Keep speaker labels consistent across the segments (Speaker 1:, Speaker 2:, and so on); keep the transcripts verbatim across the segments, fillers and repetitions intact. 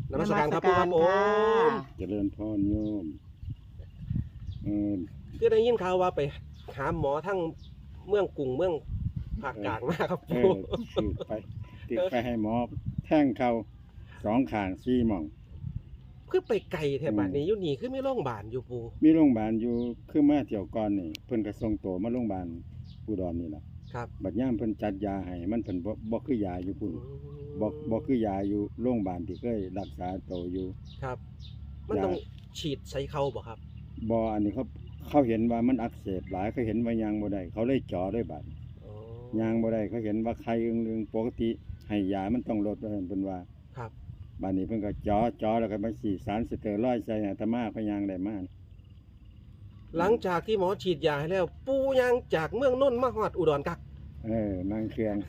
Speaker 1: นมัสการครับปูครับผม
Speaker 2: เจริญพรโยมเออ
Speaker 1: คือได้ยินข่าวว่าไปหาหมอทั้งเมืองกรุงเมืองภาคกลางมาครับปู
Speaker 2: ติดไปติดไปให้หมอแท่งเขาสองข้างสี่หม่อง
Speaker 1: คือไปไกลแถบบ้านนี้อยู่นี่คือมีโรงพยาบาลอยู่ปู
Speaker 2: มีโรงพยาบาลอยู่คือมาเที่ยวก่อนนี่เพิ่นก็ส่งตัวมาโรงพยาบาลอุดรนี่ล่ะ
Speaker 1: ครับ
Speaker 2: บัดยามเพิ่นจัดยาให้มันเพิ่นบ่บ่คือยาอยู่พุ่นบ่บ่คือยาอยู่โรงพยาบาลที่เคยรักษาตัวอยู่
Speaker 1: ครับมันต้องฉีดใส่เข่าบ่ครับ
Speaker 2: บ่อันนี้เขาเขาเห็นว่ามันอักเสบหลายเขาเห็นว่ายางบ่ได้เขาเลยเจาะด้วยบาดยางบ่ได้เขาเห็นว่าไข้อึงๆปกติให้ยามันต้องลดว่าซั่นเพิ่นว่า
Speaker 1: ครับ
Speaker 2: บาดนี้เพิ่นก็เจาะเจาะแล้วก็มาฉีดสารสเตียรอยด์ใส่อาตมาพยางได้มา
Speaker 1: หลังจากที่หมอฉีดยาให้แล้วปูยางจากเมืองนนท์มาฮอดอุดรกัก
Speaker 2: เออนั่งเครื่อง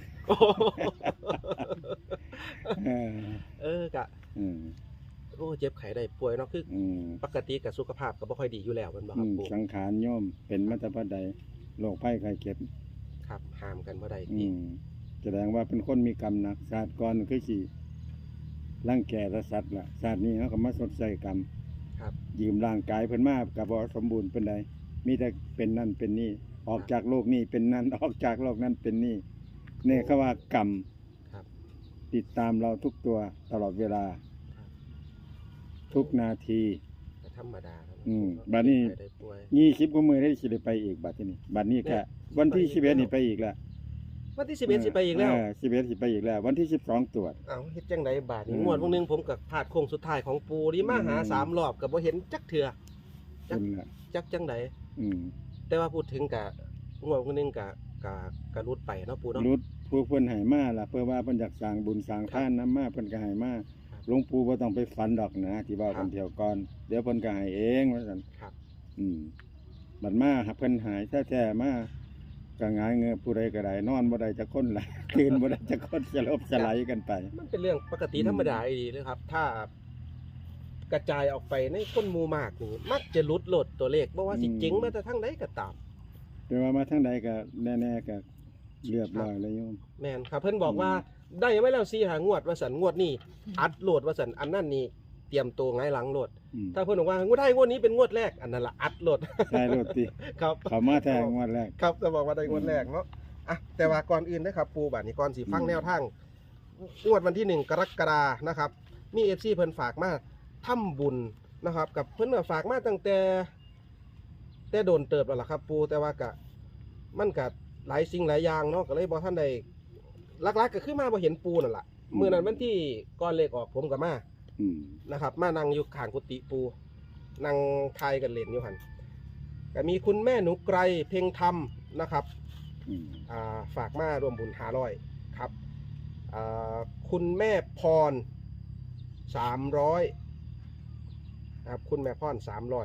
Speaker 1: เออกะ
Speaker 2: อืม
Speaker 1: โอ้เจ็บไข้ได้ป่วยเนาะคือปกติกับสุขภาพก็บ่ค่อยดีอยู่แล้วมันบ่ครับปู่
Speaker 2: สังขารโยมเป็นมาแต่บัดใดโรคภัยไข้เจ็บ
Speaker 1: ครับห้ามกันบ่ได้
Speaker 2: อืมแสดงว่าเป็นคนมีกรรมหนักชาติก่อนคือสิร่างแก่และสัตว์ล่ะชาตินี้เฮาก็มาสดใส่กรรม
Speaker 1: ครับ
Speaker 2: ยืมร่างกายเพิ่นมาก็บ่สมบูรณ์ปานใดมีแต่เป็นนั่นเป็นนี่ออกจากโลกนี้เป็นนั่นออกจากโลกนั้นเป็นนี่เนี่ยเขาว่ากรรม
Speaker 1: ครับ
Speaker 2: ติดตามเราทุกตัวตลอดเวลาทุกนาที
Speaker 1: ธรรมดาครับ
Speaker 2: อืมบัดนี้ยี่สิบกว่ามื้อได้สิได้ไปอีกบัดนี้บัดนี้แค่วันที่สิบเอ็ดนี่ไปอีกแล้ว
Speaker 1: วันที่สิบเอ็ดสิไปอีกแล้ว
Speaker 2: เออสิบเอ็ดสิไปอีกแล้ววันที่สิบสองตรวจ
Speaker 1: อ้าวเฮ็ดจังได๋บาดนี้งวดวงนึงผมก็พลาดโค้งสุดท้ายของปูนี่มาหาสามรอบก็บ่เห็นจักเทื่อจักจักจังได๋
Speaker 2: อืม
Speaker 1: แต่ว่าพูดถึงก็งวดวงนึงก็ก็ก็รุดไปเนาะปูเนาะ
Speaker 2: รุดผู้เพิ่นให้มาล่ะเพื่อว่าเพิ่นอยากสร้างบุญสร้างทานนำมาเพิ่นก็ให้มาหลวงปู่บ่ต้องไปฝันดอกนะที่ว่าเพิ่นเที่ยวก่อนเดี๋ยวเพิ่นก็ให้เองว่าซั่น
Speaker 1: ครับ
Speaker 2: อืมบัดมาเพิ่นหายแท้ๆมาก็หงายเงือผู้ใดก็ได้นอนบ่ได้จักคนล่ะตื่นบ่ได้จักคนสลบสลายกันไป
Speaker 1: มันเป็นเรื่องปกติธรรมดาอีหลีเลยครับถ้ากระจายออกไปในคนหมู่มากนี่มักจะหลุดโลดตัวเลขบ่ว่าสิเจ๋งมาแต่ทางใดก็ตาม
Speaker 2: แต่ว่ามาทางใดก็แน่ๆก็เรียบร้อยแล้วโยม
Speaker 1: แม่นครับเพิ่นบอกว่าได้ไว้แล้วสี่หางวดว่าซั่นงวดนี้อัดโหลดว่าซั่นอันนั้นนี่เตรียมตัวไงหลังโหลดถ้าเพิ่นบอกว่างวดได้งวดนี้เป็นงวดแรกอันนั้นล่ะอัดโหลด
Speaker 2: ได้โหลดติ
Speaker 1: ครับ
Speaker 2: เขามาแทงงวดแรก
Speaker 1: ครับจะบอกว่าได้งวดแรกเนาะอ่ะแต่ว่าก่อนอื่นนะครับปูบัดนี้ก่อนสิฟังแนวทางงวดวันที่หนึ่งกรกฎาคมนะครับมี เอฟ ซี เพิ่นฝากมาทำบุญนะครับกับเพิ่นก็ฝากมาตั้งแต่แต่โดนเติบแล้วล่ะครับปูแต่ว่าก็มันก็หลายสิ่งหลายอย่างเนาะก็เลยบ่ทันได้ลักๆก็คือมาบ่เห็นปูนั่นล่ะมื้อนั้นวันที่ก่อนเลขออกผมก็มานะครับมานั่งอยู่ข้างกุฏิปูนั่งทายกันเล่นอยู่หั่นก็มีคุณแม่หนูไกรเพ็งธรรมนะครับอ่าฝากมาร่วมบุญห้าร้อยครับอ่าคุณแม่พรสามร้อยครับคุณแม่พรสามร้อย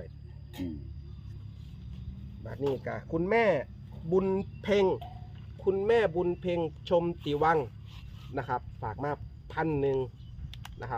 Speaker 1: แบบนี้ก็คุณแม่บุญเพ็งคุณแม่บุญเพ็งชมติวังนะครับฝากมาพันหนึ่งนะครับ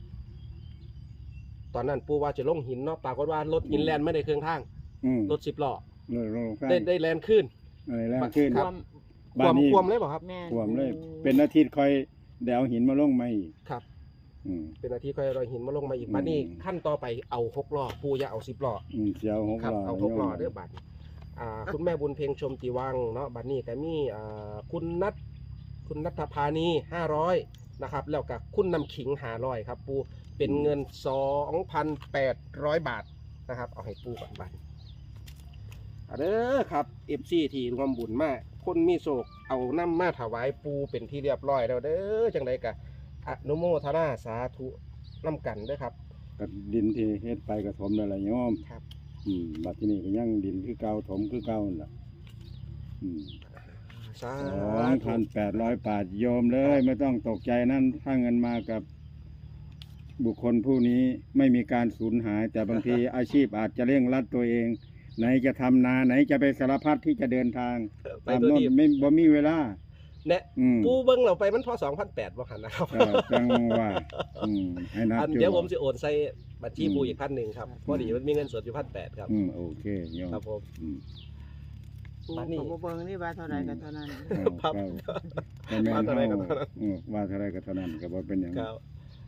Speaker 1: ตอนนั้นปูว่าจะลงหินเนาะปรากฏว่ารถหินแลนไม่ได้เครื่องทางรถสิบล้อได้ได้แลนขึ้น
Speaker 2: แลนขึ้น
Speaker 1: ครับความความเลยเปล่าครับ
Speaker 2: ความเลยเป็นอาทิตย์คอยเดี๋ยวหินมาลงมาอีก
Speaker 1: ครับเป็นอาทิตย์คอยรอยหินมาลงมาอีกบัดนี้ขั้นต่อไปเอาหกล้อปูอย่าเอาสิบล้อ
Speaker 2: เอาหกล้อ
Speaker 1: เอาหกล้อเด้อบัดอ่าคุณแม่บุญเพ็งชมติวังเนาะบัดนี้ก็มีอ่าคุณนัทคุณนัทพานีห้าร้อยนะครับแล้วก็คุณนำขิงห้าร้อยครับปูเป็นเงิน สองพันแปดร้อย บาทนะครับเอาให้ปูก่อนบัดเด้อครับ เอฟ ซี ที่รวมบุญมากคนมีโศกเอาน้ำมาถวายปูเป็นที่เรียบร้อยแล้วเด้อจังไดกะอนุโมทนาสาธุน้ำกันเด้อครับ
Speaker 2: กับดินที่เฮ็ดไปกระถมนั่นแหละโยม
Speaker 1: ครับ
Speaker 2: อืมบัดที่นี่ก็ยังดินคือเก่าถมคือเก่านั่นแหละอืมสองพันแปดร้อยบาทโยมเลยไม่ต้องตกใจนั่นถ้าเงินมากับบุคคลผู้นี้ไม่มีการสูญหายแต่บางทีอาชีพอาจจะเร่งรัดตัวเองไหนจะทำนาไหนจะไปสารพัดที่จะเดินทางตามโน่นไม่บ่มีเวลา
Speaker 1: เนี่ยปูเบิ้งเราไปมันพอสองพันแปดบ่หันนะครับ
Speaker 2: จังว่าให้นับ
Speaker 1: เดี๋ยวผมจะโอนใส่บัญชีปูอีกพันหนึ่งครับพอดีมันมีเงินสดอยู่พันแปดครับ
Speaker 2: อืมโอเค
Speaker 1: ครับผม
Speaker 3: บัดนี้ผมเบิ้งนี่ว่าเท่าไรก็เท่านั้น
Speaker 2: ครับว่าเท่าไรก็เท่านั้นว่าเท่าไรก็เท่านั้นก็บ่เป็นอย่างนั้น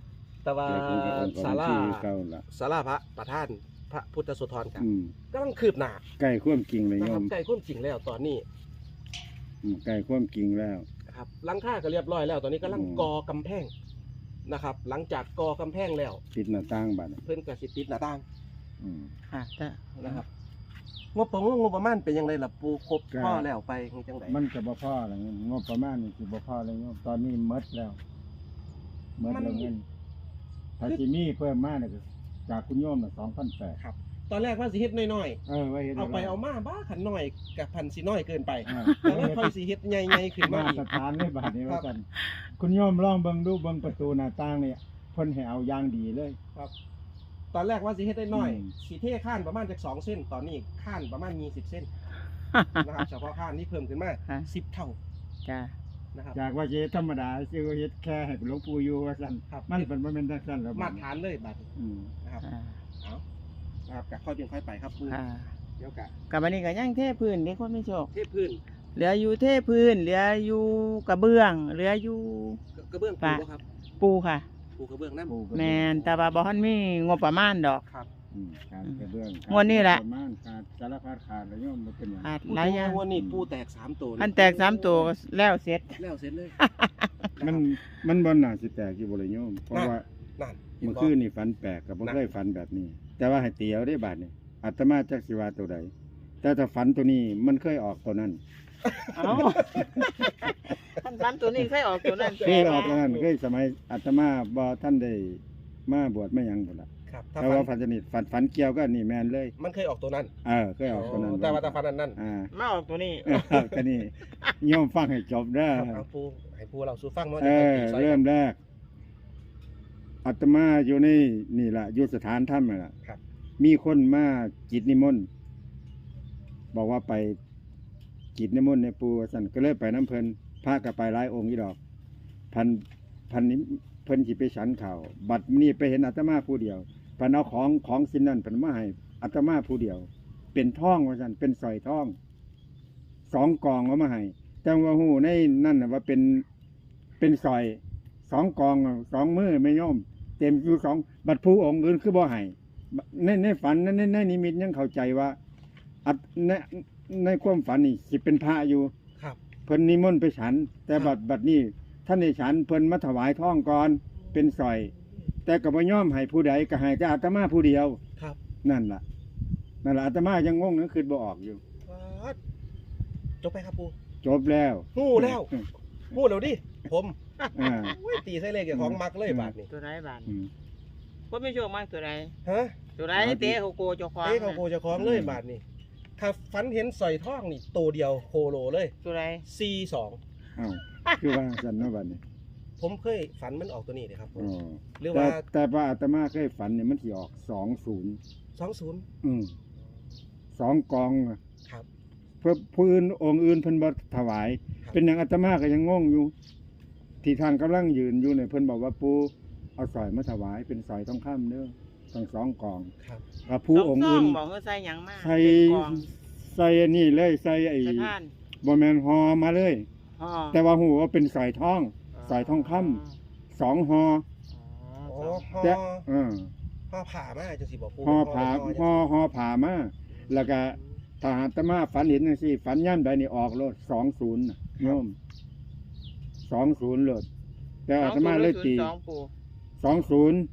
Speaker 1: แต่ว่า
Speaker 2: แต่ผมก็องค์
Speaker 1: ศาลา
Speaker 2: ที่เก่าละ
Speaker 1: ศาลาพระประธานพระพุทธสุธรครับ
Speaker 2: อืม
Speaker 1: กำลังคืบหน้า
Speaker 2: ใกล้ความจริงเลย
Speaker 1: นะ
Speaker 2: โย
Speaker 1: ครับ
Speaker 2: ม
Speaker 1: ใกล้ความจริงแล้วตอนนี้
Speaker 2: อืมใกล้ความจริงแล้ว
Speaker 1: นะครับหลังคาก็เรียบร้อยแล้ว ตอนนี้กำลัง
Speaker 2: อืม
Speaker 1: กอกำแพงนะครับ หลังจากกอกำแพงแล้ว
Speaker 2: ปิดหน้าต่างบัด
Speaker 1: เพิ่นก็สิติดหน้าต่าง
Speaker 2: อืม
Speaker 3: ค่ะแต่
Speaker 1: นะครับงบประงงบประมาณเป็นยังไงล่ะปูครบ
Speaker 2: ก็
Speaker 1: พ่อแล้วไปคือจังได
Speaker 2: มันก็บ่พอแล้วงบประมาณนี่สิบ่พอเลยโยมตอนนี้หมดแล้วหมดแล้วเงินถ้าสิมีเพิ่มมาเนี่ยก็จากคุณโยมน่ะสองพันแปด
Speaker 1: ครับ ตอนแรกว่าสิเฮ็ดน้อย
Speaker 2: เออไว้เฮ็ด
Speaker 1: ๆเอาไปเอามาบ้าขันน้อยกับพันสิน้อยเกินไป
Speaker 2: อ่า
Speaker 1: แล้วค่อยสิเฮ็ดใหญ่ๆขึ้นมา
Speaker 2: มา
Speaker 1: อีก
Speaker 2: ตรฐานเลยบาดนี้
Speaker 1: ครั
Speaker 2: ว่า
Speaker 1: บ
Speaker 2: ซั่นคุณโยมลองเบิ่งดูเบิ่งประตูหน้าต่างเนี่ยเพิ่นให้เอาอย่างดีเลย
Speaker 1: ครับ ตอนแรกว่าสิเฮ็ดได้น้อย
Speaker 2: อืม
Speaker 1: สีเท่ข้านประมาณจากสองเส้น ตอนนี้ข้านประมาณมีสิบเส้นนะครับเฉพาะข้านนี่เพิ่มขึ้นมา
Speaker 3: ค่ะ
Speaker 1: สิบเท่า
Speaker 3: จ้า
Speaker 1: นะครับ
Speaker 2: จากว่าสิเฮ็ดธรรมดาสิว่าเฮ็ดแค่ให้หลวงปู่อยู่ว่าซั่น
Speaker 1: ครับ
Speaker 2: มันเป็นบ่แม่นจังซั่นแล้ว
Speaker 1: มาตรฐานเลยบัดนี้
Speaker 2: อืม
Speaker 1: นะครับ
Speaker 3: ค่ะ
Speaker 1: เอานะครับกะค่อยเป็นค่อยไปครับปู
Speaker 3: ค่ะ
Speaker 1: เดี๋ยวกะ
Speaker 3: กับวันนี้ก็ยังเทพื้นเด็กคนไม่โชค
Speaker 1: เทพื้น
Speaker 3: เหลืออยู่เทพื้น เหลืออยู่กระเบื้อง เหลืออยู่
Speaker 1: กระเบื้องปู
Speaker 3: ปะ
Speaker 1: บ่ครับ
Speaker 3: ปูค่ะ
Speaker 1: ปูกระเบื้องน้ำ
Speaker 2: ปู่ก็
Speaker 3: แมนแต่ว่าบ่ทันมีงบประมาณดอก
Speaker 1: ครับ
Speaker 2: อืมขาดกระเบื้อง
Speaker 3: งวดนี้แหละ
Speaker 2: ประมาณขาดสารพัดขาดแล้วโยมบ่เป็นหยัง
Speaker 3: ขาด
Speaker 1: ปู
Speaker 3: หลายอย่าง
Speaker 1: วันนี้ปูแตกสามตัว
Speaker 3: อันแตกสามตัวก็แล้วเสร็จ
Speaker 1: แล้วเสร็จเลย
Speaker 2: มันมันบ่น่าสิแตกอยู่บ่เลยโยมเพราะว่า
Speaker 1: นั่น
Speaker 2: เมื่อคืนนี่ฝันแปลกกับบ่เคยฝันแบบนี้ แต่ว่าให้เตียวได้บาดนี่อาตมาจักสิว่าตัวใดแต่ถ้าฝันตัวนี้มันเคยออกตัวนั้น
Speaker 3: เอ้าท่านฟันตัวนี้เคยออกตัวนั้น
Speaker 2: เคยออกตัวนั้นเคยสมัยอาตมาบ่ท่านได้มาบวชมาหยังพุ่นล่ะ
Speaker 1: ครับถ้า
Speaker 2: แต่
Speaker 1: ฟั
Speaker 2: ว่าน ฝันชนิดฝันฝันเกี่ยวก็นี่แม่นเลย
Speaker 1: มันเคยออกตัวนั้น
Speaker 2: เออเคยออกตัวนั้น
Speaker 1: แต่ว่าถ้าฟันอันนั้น
Speaker 2: อ่า
Speaker 3: มาออกตัวนี้
Speaker 2: เออก็นี่โยมฟังให้จบเด้อ
Speaker 1: ครับเอาปูให้ปูเราสู้ฟังว่า
Speaker 2: เอ
Speaker 1: จะ
Speaker 2: อ
Speaker 1: ตีซอย
Speaker 2: เริ่มแรกอาตมาอยู่ในนี่ล่ะอยู่สถานถ้ำนั่นล่ะ
Speaker 1: ครับ
Speaker 2: มีคนมาจิตนิมนต์บอกว่าไปจิตนิมนต์ในปูว่าสั่นก็เลยไปน้ำเพลินพระก็ไปหลายองค์อีดอก พันพันนี้เพิ่นสิไปฉันข่าวบัดนี้ไปเห็นอาตมาผู้เดียวเพิ่นเอาของของสิ่งนั้นเพิ่นมาให้อาตมาผู้เดียว เป็นทองว่าสั่นเป็นสร้อยทองสองกองเอามาให้แต่ว่าหูในนั่นน่ะว่าเป็นเป็นสร้อยสองกองสองมือไม่ย่อม เต็มอยู่สองบัดผู้องค์อื่นคือบ่ให้ในในฝันในในในนิมิตยังเข้าใจว่าอัดในในความฝันนี่สิเป็นพระอยู่
Speaker 1: ครับ
Speaker 2: เพิ่นนิมนต์ไปฉัน แต่บัดบัดนี้ท่านในฉันเพิ่นมาถวายทองก่อนเป็นสร้อย แต่ก็บ่ยอมให้ผู้ใดก็ให้แต่อาตมาผู้เดียว
Speaker 1: ครับ
Speaker 2: นั่นล่ะนั่นล่ะอาตมายังงงนึกคือบ่ออกอยู่
Speaker 1: วัดจบไปครับปู
Speaker 2: จบแล้ว
Speaker 1: หู้แล้วหู้แล้วดิผม
Speaker 2: อ่า
Speaker 1: อุ้ยตีใส่เลขอย่างของมักเลยบาทนี่
Speaker 3: ตัวไรบาน
Speaker 2: อืม
Speaker 3: คนไม่โชคมากตัวไร
Speaker 1: ฮะ
Speaker 3: ตัวไรเตะเขาโกเจ้าของ
Speaker 1: เอ้เขาโคจะคล้องเลยบาทนี่ถ้าฝันเห็นสอยทองนี่ตัวเดียวโคโลเลย
Speaker 3: ตัวไร
Speaker 1: ซีสอง
Speaker 2: เอ้าคือว่าซั่นเนาะบัดนี้
Speaker 1: ผมเคยฝันมันออกตัวนี้เลยครับผม
Speaker 2: อ๋อ
Speaker 1: หรือ
Speaker 2: แต่
Speaker 1: ว่า
Speaker 2: แต่ว่าอาตมาเคยฝันเนี่ยมันสิออกสองศูนย์
Speaker 1: สองศูนย์
Speaker 2: อืมสองกองอะ
Speaker 1: ครับ
Speaker 2: เพื่อผู้อื่นองค์อื่นเพิ่นบ่ถวาย
Speaker 1: ครับ
Speaker 2: เป็นอย่างอาตมาก็ยังงงอยู่ ที่ท่านกำลังยืนอยู่เนี่ยเพิ่นบอกว่าปูเอาสร้อยมาถวายเป็นสร้อยทองคำเด้อทั้งสองกอง
Speaker 1: ครับ
Speaker 2: กับผู้องค์อื่น
Speaker 3: บอกเขาใส่หยังมาก
Speaker 2: ใส่
Speaker 3: เป็นกอง
Speaker 2: ใส่อันนี้เลยใส่ไอ้
Speaker 3: ใส่ท่าน
Speaker 2: บ่แม่นฮอมาเลย
Speaker 3: ห่อ
Speaker 2: แต่ว่าหูว่าเป็นสร้อยทอง สร้อยทองคำ สองฮอ
Speaker 1: โอ้
Speaker 3: อ๋อ
Speaker 1: ห่อ
Speaker 2: แต่เออ
Speaker 1: ห่อผ่ามาจังสิบอกปู
Speaker 2: ฮอผา
Speaker 1: เป็น
Speaker 2: ฮอฮอผามาแล้วก็ถ้าอาตมาฝันเห็นจังซี่ฝันย่ำใดนี่ออกโลดสองศูนย์น่ะโยมสองศูนย์โลดแต่อาตมาเลยตี
Speaker 3: สองปู
Speaker 2: สองศูนย์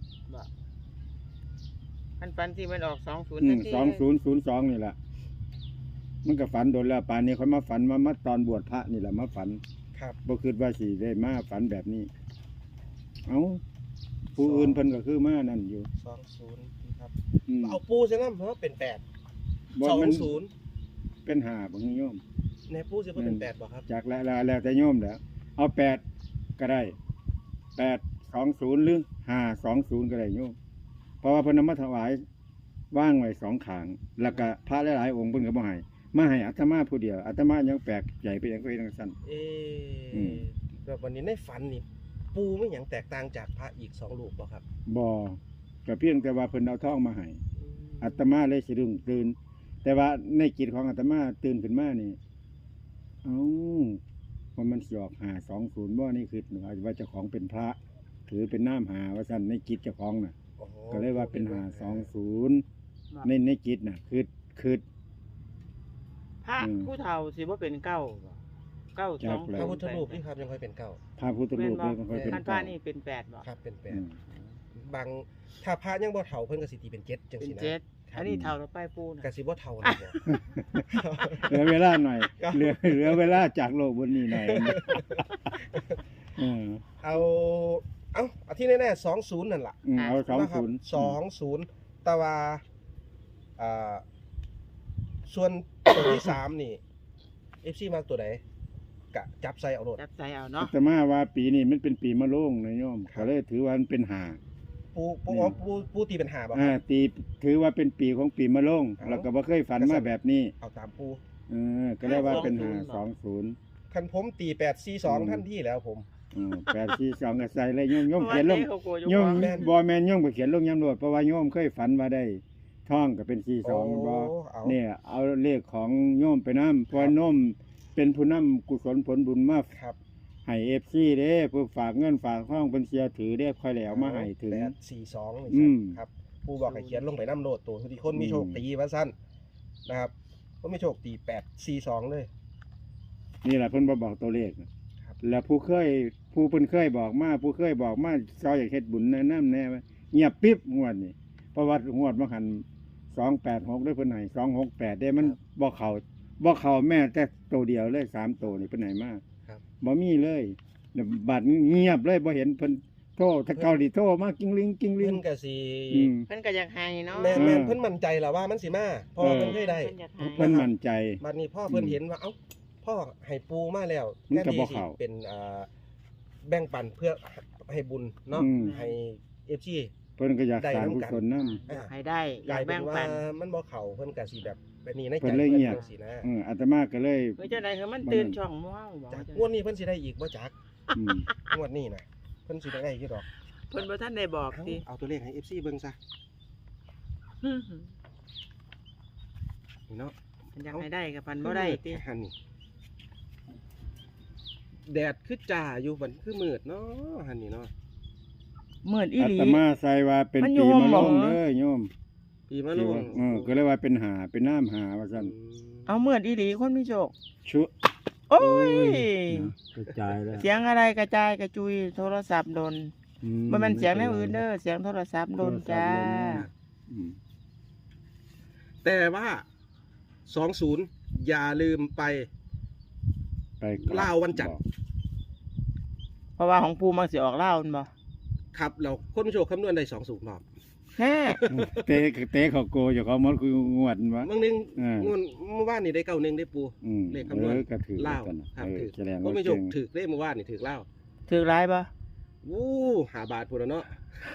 Speaker 3: มันปันที่มันออกสองศูนย์
Speaker 2: อื
Speaker 3: ทั
Speaker 2: ม
Speaker 3: นที
Speaker 2: สองศูนย์ศูนย์สองนี่แหละมันก็ฝันโดนแล้วป่านนี้เขามาฝันมามาตอนบวชพระนี่แหละมาฝัน
Speaker 1: ครับ
Speaker 2: บ่คิดว่าสิได้มาฝันแบบนี้ เอ้าผู้อื่นเพิ่นก็คือมานั่นอยู่
Speaker 1: สองศูนย์ครับ
Speaker 2: อืม
Speaker 1: เอาปูใช่ไหมเพราะว่าเป็นแปด
Speaker 2: บ่
Speaker 1: สอง
Speaker 2: มัน
Speaker 1: ศูนย์
Speaker 2: เป็นห้าบ่โยม
Speaker 1: ในปูจะเป็นแปดบอกครับ
Speaker 2: จากแล้วแล้วแต่โยมแหล้วเอาแปดก็ได้แปดสองศูนย์หรือห้าสองศูนย์ก็ได้โยมเพราะว่าเพิ่นนำมาถวายว่างไว้สองขาง แล้วก็พระหลายๆองค์เพิ่นก็บ่ให้มาให้อาตมาผู้เดียวอาตมายังแปลกใหญ่ไปอย่างก็เฮ็ดจังซั่น
Speaker 1: เอ๊
Speaker 2: อืม
Speaker 1: แบบวันนี้ในฝันนี่ปูไม่อย่างแตกต่างจากพระอีกสองลูกบอกครับ
Speaker 2: บ่ก็เพียงแต่ว่าเพิ่นเอาทองมาให้อาตมาเลยสะดุ้งตื่น แต่ว่าในจิตของอาตมาตื่นขึ้นมานี่เอ้าว่ามันสิออกห้าสองศูนย์บ่นี่คือว่าเจ้าของเป็นพระถือเป็นน้ำหาว่าซั่นในจิตเจ้าของน่ะ
Speaker 1: อ๋อ
Speaker 2: ก็เลยว่าเป็นหาสองศูนย์ในในจิตน่ะคือคือ
Speaker 3: พระ
Speaker 2: อืม
Speaker 3: ผู้เฒ่าสิบ่เป็นเก้าบ่เก้าสอง
Speaker 2: จักแล้
Speaker 1: พ
Speaker 2: ว
Speaker 1: ระพุทธรูปนี่ครับยังค่อยเป็นเก้า
Speaker 2: พระพุทธรูปเลยมันค่อยเป็น
Speaker 3: ท่านพระ
Speaker 2: เก้า
Speaker 3: นี่เป็นแปดบ่
Speaker 1: ครับเป็นแป
Speaker 2: อื
Speaker 1: ด
Speaker 2: ม
Speaker 1: บางถ้าพระยังบ่เฒ่าเพิ่นก็สิตีเป็นเจ็ดจัง
Speaker 3: เป็น
Speaker 1: ซี่นะ
Speaker 3: เจ็ด
Speaker 1: ครับ
Speaker 3: อันนี้เฒ่าแล้วไปปูนะ
Speaker 1: ก็สิบ่เฒ่านะบ่
Speaker 2: เหลือเวลาหน่อย
Speaker 1: ครับ
Speaker 2: เหลือเหลือเวลาจากโลกบนนี้หน่อยเออ
Speaker 1: เอาเอาเอาที่แน่ๆสองศูนย์นั่นล่ะ
Speaker 2: อืมเอาสอง
Speaker 1: นะครับ
Speaker 2: ศูนย์
Speaker 1: สองศูนย์แต่ว่าอ่าส่วนตัวที่สามนี่ เอฟ ซี มาตัวไหนกะจับใส่เอาโลด
Speaker 3: จับใจเอาเนาะ
Speaker 2: แต่มาว่าปีนี้มันเป็นปีมะโรงนะโยม
Speaker 1: ครับ
Speaker 2: ก็เลยถือว่ามันเป็นหา
Speaker 1: ปูปู
Speaker 2: นี่
Speaker 1: อ๋อปูปูตีเป็นหาบ่ค
Speaker 2: อ่า
Speaker 1: รับ
Speaker 2: ตีถือว่าเป็นปีของปีมะโรง
Speaker 1: เอา
Speaker 2: แล้วก็บ่เคยฝันมาแบบนี้
Speaker 1: เอาตามปู
Speaker 2: เออก็เลยว่าเป็นหาสองศูนย์
Speaker 1: คันผมตีแปดสี่สอง
Speaker 2: อืม
Speaker 1: ท่านที่แล้วผม
Speaker 2: อืมแปดสี่สองก็ใส่เลยโยมโยม
Speaker 3: เพราะ
Speaker 2: เขียนล
Speaker 3: ว่าง เขากลัว
Speaker 2: โยม
Speaker 3: อยู่
Speaker 1: แม่น
Speaker 2: บ่แม่นโยมก็เขียนลงยำรวดเพราะว่าโยมเคยฝันว่าได้ท่องก็เป็นสี่สองบ่
Speaker 1: เอา
Speaker 2: เนี่ยเอาเลขของโยมไปนำเพราะโยมเป็นผู้นำกุศลผลบุญมา
Speaker 1: ครับ
Speaker 2: ให้ เอฟ ซี เด้เพื่อฝากเงินฝากทองเป็นเสียถือได้ค่อยแล้วมาให้ถึง
Speaker 1: แปดสี่สองนี่
Speaker 2: อืม
Speaker 1: ครับปูบอกให้เขียนลงไปน้ำโลดตัวทุกคนมีโชค
Speaker 2: อืม
Speaker 1: ตีว่าสั้นนะครับก็มีโชคตีแปดสี่สองเลย
Speaker 2: นี่แหละเพิ่นบ่บอกตัวเลขนะครับ แล้วผู้เคยผู้เพิ่นเคยบอกมาผู้เคยบอกมาซอยอยากเฮ็ดบุญแนะนำแน่ว่าเงียบปิ๊บงวดนี่เพราะว่างวดบ่หันสองแปดหกได้เพิ่นให้สองหกแปดได้มันบ่เข้าบ่เข้าแม้แต่ตัวเดียวเลยสามตัวนี่เพิ่นให้มา
Speaker 1: ครับ
Speaker 2: บ่มีเลยแล้วบัดเงียบเลยบ่เห็นเพิ่นโทรถ้าเกาหลีโทรมากิ้งลิงกิ้งลิ
Speaker 1: เพิ่
Speaker 2: ง
Speaker 1: นก็สิ
Speaker 2: อืม
Speaker 3: เพิ่นก็อยากให้เนาะ
Speaker 1: แม่นแม่น
Speaker 2: เออ
Speaker 1: เพิ่นมั่นใจแหละว่ามันสิมาเพราะว่า
Speaker 2: เออ
Speaker 1: เพิ่นเคยได้
Speaker 3: เพิ่นอยากให้
Speaker 2: เพิ่นมั่นใจ
Speaker 1: บัดนี้พ่อเพิ่น
Speaker 2: อืม
Speaker 1: เห็นว่าเอ้าพ่อให้ปูมาแล้ว
Speaker 2: มันก็
Speaker 1: แทน
Speaker 2: บ่
Speaker 1: ที่สิ
Speaker 2: เข้า
Speaker 1: เป็นอ่าแบ่งปันเพื่อให้บุญเนาะ
Speaker 2: อืม
Speaker 1: ให้ เอฟ ซี
Speaker 2: เพิ่นก็อยาก
Speaker 1: ได้
Speaker 2: สร้าง
Speaker 1: นำ
Speaker 2: กุ
Speaker 1: กัน
Speaker 2: ศลนำ
Speaker 3: อยากให้ได้อก ยา
Speaker 1: ลาก ยเป็
Speaker 3: แบ่
Speaker 1: น
Speaker 3: ง
Speaker 1: ว่า
Speaker 3: ปัน
Speaker 1: มันบ่เข้าเพิ่นก็สิแบบแบบนี้ในใจ
Speaker 2: เพิ่นเลยเงียบ
Speaker 1: จังซี่นะ
Speaker 2: เอออาตมาก็เลย
Speaker 3: เฮ้ยจังได๋คือมันตื่นช่องหมู่เฮาบ่
Speaker 1: จาก
Speaker 3: จัง
Speaker 1: งวดนี้เพิ่นสิได้อีกบ่จัก
Speaker 2: อืม
Speaker 1: งวดนี้นะเพิ่นสิได้อีกดอก
Speaker 3: เพิ่นบ่ทันได้บอก
Speaker 1: เอา
Speaker 3: ติ
Speaker 1: เอาตัวเลขให้ เอฟ ซี เบิ่งซะนี่เนาะ
Speaker 3: เพิ่นอยากให้ได้กับพันบ่ได้ติ
Speaker 1: หันนี่แดดคือจ้าอยู่บัดคือมืดเนาะหันนี่เนาะ
Speaker 3: เหมือนอี
Speaker 2: อา
Speaker 3: หลี
Speaker 2: ตมาใส่ว่าเป็น
Speaker 3: มันอยู่
Speaker 2: ปี
Speaker 3: ห้อง
Speaker 2: มะ
Speaker 3: หม
Speaker 2: โร
Speaker 3: อ
Speaker 2: งเด้อโยม
Speaker 1: ปีมะโร
Speaker 2: ที่
Speaker 1: ง
Speaker 2: ว่าเออก็เลยว่าเป็นหาเป็นน้ำหาว่าซั่น
Speaker 3: เอาเหมือนอีหลีคนมีโชค
Speaker 2: ชุ
Speaker 3: โอ้ย
Speaker 2: กระจายแล้ว
Speaker 3: เสียงอะไรกระจายกระจุยโทรศัพท์โดนบ่แม่นเสียงแนวอื่นเด้อเสียงโทรศัพท์โดนจ้า
Speaker 2: อืม
Speaker 1: แต่ว่าสองศูนย์อย่าลืมไป
Speaker 2: ไปกบ
Speaker 1: ลาววันจันทร์
Speaker 3: เพราะว่าของปูมันสิออกเล่ามันบ่
Speaker 1: ครับเราคนโชคคำนวณได้สองศูนย์รอบ
Speaker 3: แฮ่
Speaker 2: เตะเตะเขาโกอยู่เขามันคืองวดวะ
Speaker 1: บางนึง
Speaker 2: เออง
Speaker 1: วดเมื่อวานนี่ได้เก้าหนึ่งได้ปู
Speaker 2: อืม
Speaker 1: เลขคำนวณ
Speaker 2: เออก็ถือ
Speaker 1: เล่าว
Speaker 2: กันน่ะ
Speaker 1: ครับ
Speaker 2: เออ
Speaker 1: ถือ
Speaker 2: แสดง
Speaker 1: ก็
Speaker 2: ว่า
Speaker 1: ไม่โช
Speaker 2: เก่
Speaker 1: ค
Speaker 2: ง
Speaker 1: ถือได้เมื่อวานนี่ถือเล่าว
Speaker 3: ถือร้ายบ่
Speaker 1: วู้หาบาทพูดแล้วเนาะ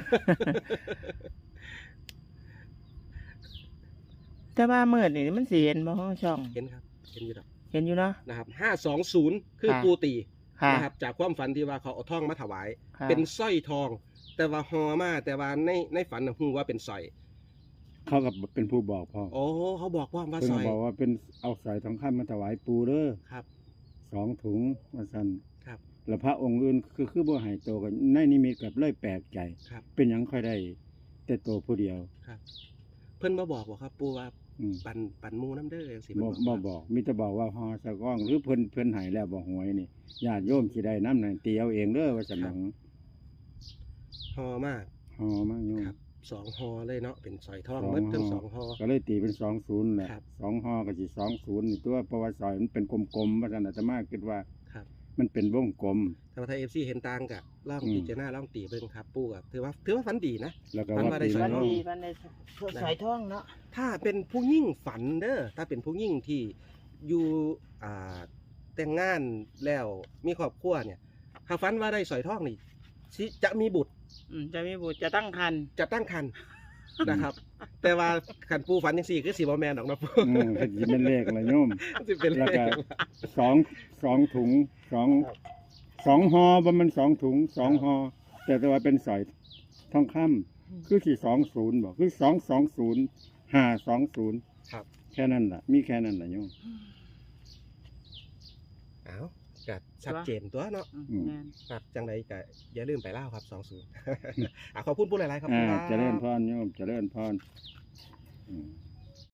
Speaker 3: แต่ว่ามื้อนี่มันสิเห็นบ่ของช่อง
Speaker 1: เห็นครับเห็นอยู่ดอก
Speaker 3: เห็นอยู่เนาะ
Speaker 1: นะครับห้าสองศูนย์คือ
Speaker 3: ค่ะ
Speaker 1: ปูตี
Speaker 3: ค่ะ
Speaker 1: นะครับจากความฝันที่ว่าเขาเอาทองมาถวาย
Speaker 3: ค่ะ
Speaker 1: เป็นสร้อยทอง แต่ว่าหอมาแต่ว่าในในฝันน่ะฮู้ว่าเป็นสร้อย
Speaker 2: เขากับเป็นผู้บอกพ่อ
Speaker 1: โอ้เขาบอกว่าว่า
Speaker 2: เพิ่น
Speaker 1: สร้
Speaker 2: ก็
Speaker 1: อย
Speaker 2: บอกว่าเป็นเอาสายทองคำมาถวายปูเด้อ
Speaker 1: ครับ
Speaker 2: สองถุงว่าซั่น
Speaker 1: ครับ
Speaker 2: แล้วพระองค์อื่นคือคือบ่ให้โตกันในนิมิตกับเลยแปลกใจ
Speaker 1: ครับ
Speaker 2: เป็นหยังค่อยได้แต่โตผู้เดียว
Speaker 1: ครับ เพิ่นมาบอกบ่ครับปูว่า
Speaker 2: อืม
Speaker 1: ปันปันหมูน้ำเด้อจังซี่
Speaker 2: บ่
Speaker 1: เพิ่น
Speaker 2: บ่บอกมีแต่บอกว่าฮอสะก้องหรือเพิ่นเพิ่นให้แล้วบ่หวยนี่ญาติโยมสิได้นำนั่นตีเอาเองเด้อว่าซั่นหนัง
Speaker 1: หอมาก
Speaker 2: ฮอมาโยม
Speaker 1: ครับสองหอเลยเนาะเป็นสร้อยทอง
Speaker 2: สอง
Speaker 1: หมดทั้ง
Speaker 2: ห่อ
Speaker 1: สองหอ
Speaker 2: ก็เลยตีเป็นสองศูนย์แหละ
Speaker 1: ครับ
Speaker 2: สองฮอก็สิสองศูนย์นี่ตัวเพราะว่าซอยมันเป็นกลมๆว่าซั่นอาตมาคิดว่า
Speaker 1: ครับ
Speaker 2: มันเป็นวงกลม
Speaker 1: ถ้าว่าไทย เอฟ ซี เห็นต่างกะลอง
Speaker 2: อืม
Speaker 1: พิจารณาลองตีเบิ่งครับปูกับถือว่าถือว่าฝันดีนะ
Speaker 2: แล้วก็
Speaker 1: มัน
Speaker 2: ว่า
Speaker 1: ว่าได้
Speaker 2: ปี
Speaker 1: สอย
Speaker 3: วัน
Speaker 2: มะโรง
Speaker 3: ดีวันได้สายทองเนาะ
Speaker 1: ถ้าเป็นผู้ยิ่งฝันเด้อถ้าเป็นผู้ยิ่งที่อยู่อ่าแต่งงานแล้วมีครอบครัวเนี่ยถ้าฝันว่าได้สอยทองนี่สิจะมีบุตร
Speaker 3: อืมจะมีบุตรจะตั้งครรภ์
Speaker 1: จะตั้งครรภ์นะครับ แต่ว่าขันปูฝันยังสี่คือสีบอแมนดอกนะปู
Speaker 2: อืมก็สิเป็นเลขละโยม
Speaker 1: สิเป็นเล
Speaker 2: แล้ว
Speaker 1: ข
Speaker 2: ก็สองสองถุงสอง
Speaker 1: ครับ
Speaker 2: สองฮอบ่มันสองถุงสองฮอแต่แต่ว่าเป็นสอยทองคำคือสี่สองศูนย์บอกคือสองสองศูนย์ห้าสองศูนย์
Speaker 1: ครับ
Speaker 2: แค่นั้นล่ะ มีแค่นั้นล่ะโยม
Speaker 1: อ้าวก็ชัดเจนตัวเนาะ
Speaker 3: อืมแม่น
Speaker 1: ครับจังไดก็อย่าลืมไปเล่าวครับสองศูนย์ อ่ะขอบคุณผู้หลายๆครับ
Speaker 2: อ่า
Speaker 1: ครับ
Speaker 2: เจริญพรโยมเจริญพรอืม